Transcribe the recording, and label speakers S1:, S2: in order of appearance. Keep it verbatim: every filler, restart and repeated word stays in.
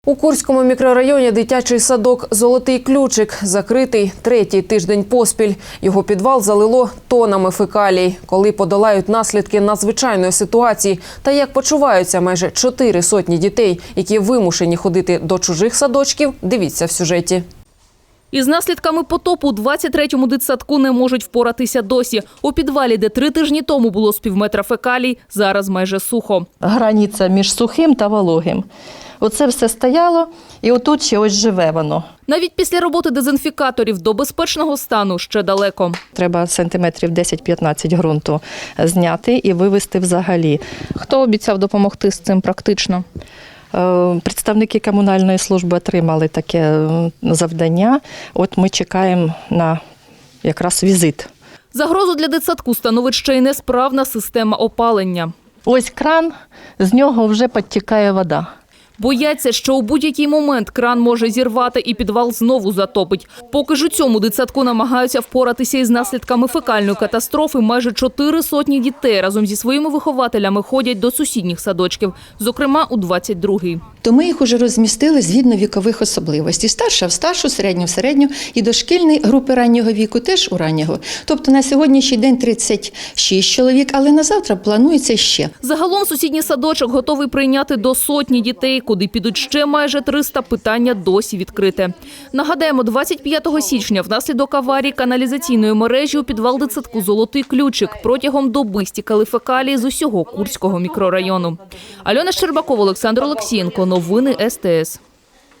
S1: У Курському мікрорайоні дитячий садок «Золотий ключик» закритий третій тиждень поспіль. Його підвал залило тонами фекалій. Коли подолають наслідки надзвичайної ситуації та як почуваються майже чотири сотні дітей, які вимушені ходити до чужих садочків, дивіться в сюжеті.
S2: Із наслідками потопу у двадцять третьому дитсадку не можуть впоратися досі. У підвалі, де три тижні тому було з півметра фекалій, зараз майже сухо.
S3: Границя між сухим та вологим. Оце все стояло, і отут ще ось живе воно.
S2: Навіть після роботи дезінфікаторів до безпечного стану ще далеко.
S3: Треба сантиметрів десять-п'ятнадцять ґрунту зняти і вивезти взагалі.
S4: Хто обіцяв допомогти з цим практично?
S3: Представники комунальної служби отримали таке завдання. От ми чекаємо на якраз візит.
S2: Загрозу для дитсадку становить ще й несправна система опалення.
S3: Ось кран, з нього вже підтікає вода.
S2: Бояться, що у будь-який момент кран може зірвати і підвал знову затопить. Поки ж у цьому дитсадку намагаються впоратися із наслідками фекальної катастрофи, майже чотири сотні дітей разом зі своїми вихователями ходять до сусідніх садочків, зокрема у двадцять другий.
S5: То ми їх уже розмістили згідно вікових особливостей. Старша в старшу, середню в середню і дошкільні групи раннього віку теж у раннього. Тобто на сьогоднішній день тридцять шість чоловік, але на завтра планується ще.
S2: Загалом сусідній садочок готовий прийняти до сотні дітей, куди підуть ще майже триста, питання досі відкрите. Нагадаємо, двадцять п'ятого січня внаслідок аварії каналізаційної мережі у підвал дитсадку «Золотий ключик» протягом доби стікали фекалії з усього Курського мікрорайону. Альона Щербакова, Олександр Олексієнко. Новини ес те ес.